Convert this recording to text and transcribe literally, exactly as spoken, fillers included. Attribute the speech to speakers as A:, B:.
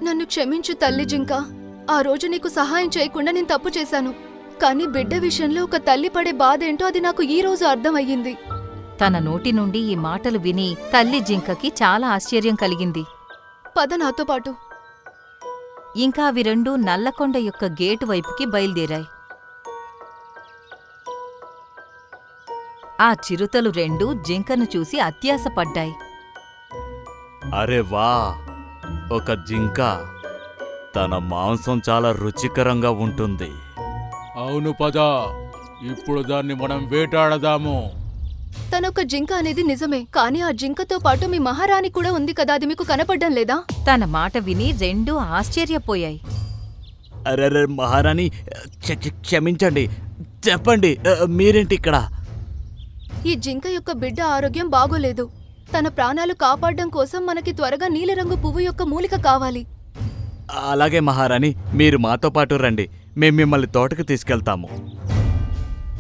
A: నన్ను క్షమించు తల్లి జింక. ఆ రోజు నీకు సహాయం చేయకుండా నేను తప్పు చేశాను. కానీ బిడ్డ విషయంలో ఒక తల్లి పడే బాధేంటో అది నాకు ఈ రోజు అర్థమయ్యింది.
B: తన నోటి నుండి ఈ మాటలు విని తల్లి జింకకి చాలా ఆశ్చర్యం కలిగింది.
A: పద నాతో పాటు.
B: ఇంకా అవి రెండూ నల్లకొండ యొక్క గేటు వైపుకి బయలుదేరాయి. ఆ చిరుతలు రెండూ జింకను చూసి అత్యాశపడ్డాయి.
C: అరే వా, ఒక జింక. తన మాంసం చాలా రుచికరంగా ఉంటుంది.
D: అవును పద, ఇప్పుడు దాన్ని మనం వేటాడదాము.
A: తనొక జింక అనేది నిజమే, కానీ ఆ జింకతో పాటు మీ మహారాణి కూడా ఉంది కదా, అది మీకు కనపడ్డం లేదా?
B: తన మాట విని రెండూ ఆశ్చర్యపోయాయి.
C: అరే మహారాణి, క్ష- క్ష- క్షమించండి. చెప్పండి, మీరేంటి ఇక్కడ?
A: ఈ జింక యొక్క బిడ్డ ఆరోగ్యం బాగోలేదు. తన ప్రాణాలు కాపాడడం కోసం మనకి త్వరగా నీలిరంగు పువ్వు యొక్క మూలిక కావాలి.
C: అలాగే మహారాణి, మీరు మాతో పాటు రండి. మేం మిమ్మల్ని తోటకు తీసుకెళ్తాము.